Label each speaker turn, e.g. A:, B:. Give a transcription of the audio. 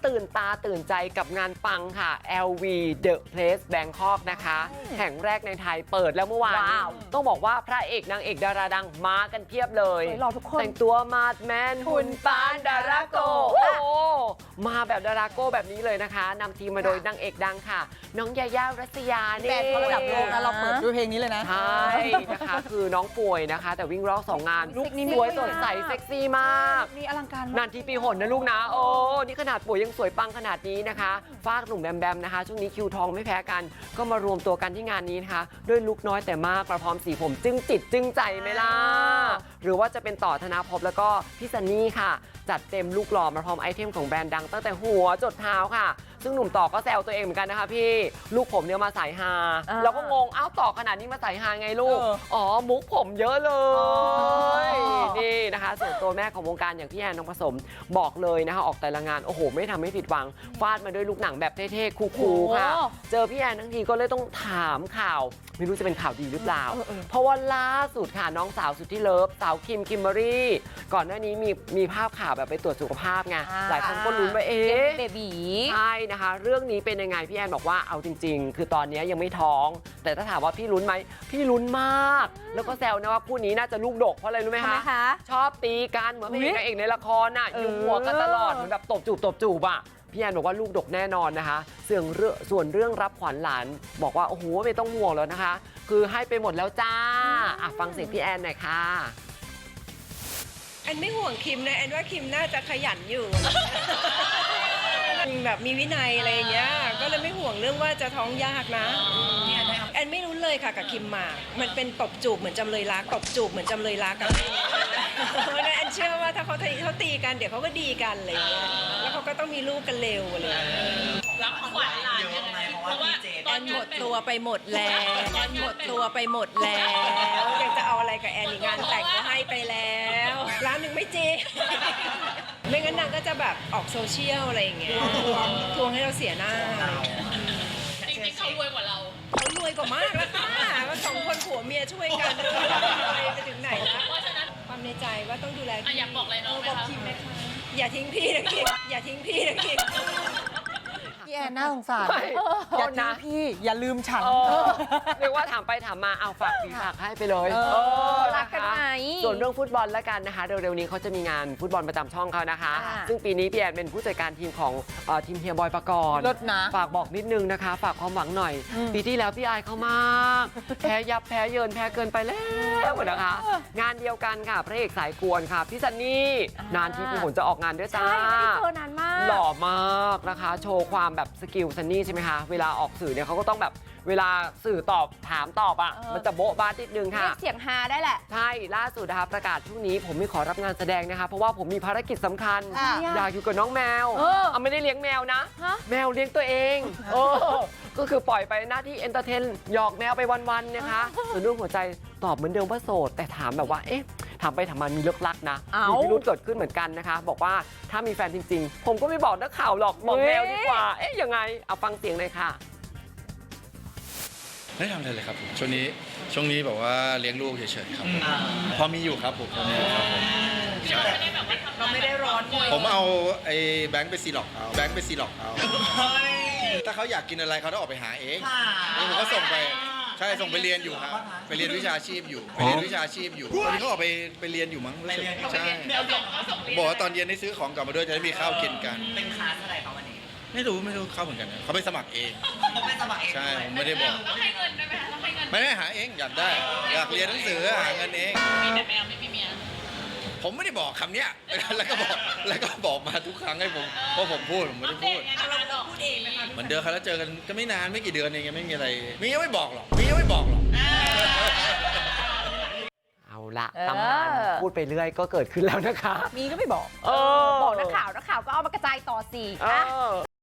A: ตื่นตาตื่นใจกับงานปังค่ะ LV The Place Bangkok นะคะแห่งแรกในไทยเปิดแล้วเมื่อวานต้องบอกว่าพระเอกนางเอกดาราดังมากันเพียบเลยแต่งตัวมาดแมนหุ่นปานดาราโกโอ้มาแบบดาราโกแบบนี้เลยนะคะนำทีมมาโดยนางเอกดังค่ะน้องยาย่ารัศยานี่
B: แบรนด์เขาระดับโลกนะเราเปิดด้วยเพลงนี้เลยนะ
A: ใช่นะคะคือน้องป่วยนะคะแต่วิ่งรอบ2 งานลุคสวยสดใสเซ็กซี่มาก
B: นี่อลังการ
A: นานทีปีหนนะลูกนะโอ้นี่ขนาดป่วยยังสวยปังขนาดนี้นะคะฝากหนุ่มแบมแบมนะคะช่วงนี้คิวทองไม่แพ้กันก็มารวมตัวกันที่งานนี้นะคะด้วยลุคน้อยแต่มากประพร้อมสีผมจึ้งจิตจึ้งใจไหมล่ะหรือว่าจะเป็นต่อธนาภพแล้วก็พี่ซันนี่ค่ะจัดเต็มลูกหล่อมาพร้อมไอเทมของแบรนด์ดังตั้งแต่หัวจดเท้าค่ะซึ่งหนุ่มต่อก็แซวตัวเองเหมือนกันนะคะพี่ลูกผมเนี่ยมาสายฮาแล้วก็งงอ้าวต่อขนาดนี้มาสายฮาไงลูกอ๋อมุกผมเยอะเลยนี่นะคะส่วนตัวแม่ของวงการอย่างพี่แอนทองผสมบอกเลยนะคะออกแต่ละงานโอ้โหไม่ทำให้ผิดหวังฟาดมาด้วยลูกหนังแบบเท่ๆคูลๆค่ะเจอพี่แอนทั้งทีก็เลยต้องถามข่าวไม่รู้จะเป็นข่าวดีหรือเปล่าเพราะว่าล่าสุดค่ะน้องสาวสุดที่เลิฟสาวคิมเบอรี่ก่อนหน้านี้มีภาพข่าวแบบไปตรวจสุขภาพไงหลายคนก็ลุ้นว่า
B: เบบี
A: ใช่นะคะเรื่องนี้เป็นยังไงพี่แอนบอกว่าเอาจริงๆคือตอนนี้ยังไม่ท้องแต่ถ้าถามว่าพี่ลุ้นไหมพี่ลุ้นมากแล้วก็แซวนะว่าคู่นี้น่าจะลูกดกเพราะอะไรรู้ไหมคะชอบตีกันเหมือนพระเอกนางเอกในละครน่ะยุ่งหัวกันตลอดเหมือนแบบตบจูบอ่ะพี่แอนบอกว่าลูกดกแน่นอนนะคะส่วนเรื่องรับขวัญหลานบอกว่าโอ้โหไม่ต้องห่วงแล้วนะคะคือให้ไปหมดแล้วจ้าฟังเสียงพี่แอนหน่อยค่ะ
C: แอนไม่ห่วงคิมนะแอนว่าคิมน่าจะขยันอยู่ แบบมีวินัยอะไรอย่างเงี้ยก็เลยไม่ห่วงเรื่องว่าจะท้องยากนะแอนไม่รู้เลยค่ะกับคิมหมากมันเป็นตบจูบเหมือนจำเลยรักตบจูบเหมือนจำเลยรักกันเพราะนั้นแอนเชื่อว่าถ้าเขาตีกันเดี๋ยวเขาก็ดีกันอะไรอย่างเงี้ยแล้วเขาก็ต้องมีลูกกันเร็วอะไรอย่างเงี้ย
D: รับของขวัญหลานยังไงเพราะว่า
C: แอนหมดตัวไปหมดแล้วแอนหมดตัวไปหมดแล้วยังจะเอาอะไรกับแอนอีกงานแต่งก็ให้ไปแล้วร้านหนึ่งไม่เจไม่งั้นนางก็จะแบบออกโซเชียลอะไรอย่างเงี้ยทวงให้เราเสียหน้า
D: จริงๆเขารวยกว่าเรา
C: เขารวยกว่ามากแล้วค่ะว่า2 คนผัวเมียช่วยกันไปถึงไหนแล้วความในใจว่าต้องดูแล
D: อยากบอกอะไรน้องไหมคะ
C: อย่าทิ้งพี่นะคิมอย่าทิ้งพี่นะคิม
B: พี่แอนน่าสงสารอย่าทิ้งพี่อย่าลืมฉัน
A: เรียกว่าถามไปถามมาเอาฝากปีฝากให้ไปเลย
B: รักกันไหม
A: ส่วนเรื่องฟุตบอลแล้วกันนะคะเร็วๆนี้เขาจะมีงานฟุตบอลประจำช่องเขานะคะซึ่งปีนี้พี่แอนเป็นผู้จัดการทีมของทีมเฮียบอยปกรณ์ฝากบอกนิดนึงนะคะฝากความหวังหน่อยปีที่แล้วพี่อายเขามากแพ้ยับแพ้เยินแพ้เกินไปแล้วนะคะงานเดียวกันค่ะพระเอกสายกวนค่ะพี่ซันนี่นานทีปีหนจะออกงานด้วยจ้า
B: เจอนานมาก
A: หล่อมากนะคะโชว์ความแบบสกิลซันนี่ใช่ไหมคะเวลาออกสื่อเนี่ยเขาก็ต้องแบบเวลาสื่อตอบถามตอบอ่ะมันจะโบ๊ะบ้านิดนึงค่ะ
B: เสียงฮาได้แหละ
A: ใช่ล่าสุดนะคะประกาศช่วงนี้ผมไม่ขอรับงานแสดงนะคะเพราะว่าผมมีภารกิจสำคัญอยากอยู่กับน้องแมวไม่ได้เลี้ยงแมวนะแมวเลี้ยงตัวเองก็คือปล่อยไปหน้าที่เอนเตอร์เทนหยอกแมวไปวันๆนะคะส่วนเรื่องหัวใจตอบเหมือนเดิมว่าโสดแต่ถามแบบว่าเอ๊ะถามไปถามมามีเลิกลักนะมีพิรุธเกิดขึ้นเหมือนกันนะคะบอกว่าถ้ามีแฟนจริงๆผมก็ไม่บอกนักข่าวหรอกบอกแมวดีกว่าเอ๊ะยังไงเอาฟังเสียงเลยค่ะ
E: ไม่ทำอะไรเลยครับผมช่วงนี้แบบว่าเลี้ยงลูกเฉยๆครับพอมีอยู่ครับผมครับผม
D: เราไม่ได้ร้อน
E: ผมเอาไอ้แบงค์ไปซีล็อกเอาถ้าเขาอยากกินอะไรเขาต้องออกไปหาเองแล้วผมก็ส่งไปใช่ส่งไปเรียนอยู่ครับไปเรียนวิชาชีพอยู่ตอนนี้เขาออกไปเรียนอยู่มั้งใช่บอกว่าตอนเย็นได้ซื้อของกลับมาด้วยจะได้มีข้าวกินกัน
D: เป็นคลาสอะไรเขาวันนี้
E: ไม่รู้เข้าเหมือนกันเขาไปสมัครเองใช่ผมไม่ได้บอก
D: ต้องให้เงินด้วยไหมคะต้องให้เงิน
E: ไม่ได้หาเองอยากเรียนหนังสือหาเงินเอง
D: มีแต่แมวไม่มีเมีย
E: ผมไม่ได้บอกคำเนี้ยแล้วก็บอกมาทุกครั้งให้ผมเพราะผมพูดผมไม่ได้พูด
D: เราพูดเองไหมคะ
E: เหมือนเดิมครับแล้วเจอกันก็ไม่นานไม่กี่เดือนเองยังไม่มีอะไรมียังไม่บอกหรอก
A: เอาละตำนานพูดไปเรื่อยก็เกิดขึ้นแล้วนะคะ
B: มีก็ไม่บอกบอกนักข่าวก็เอามากระจายต่อสิ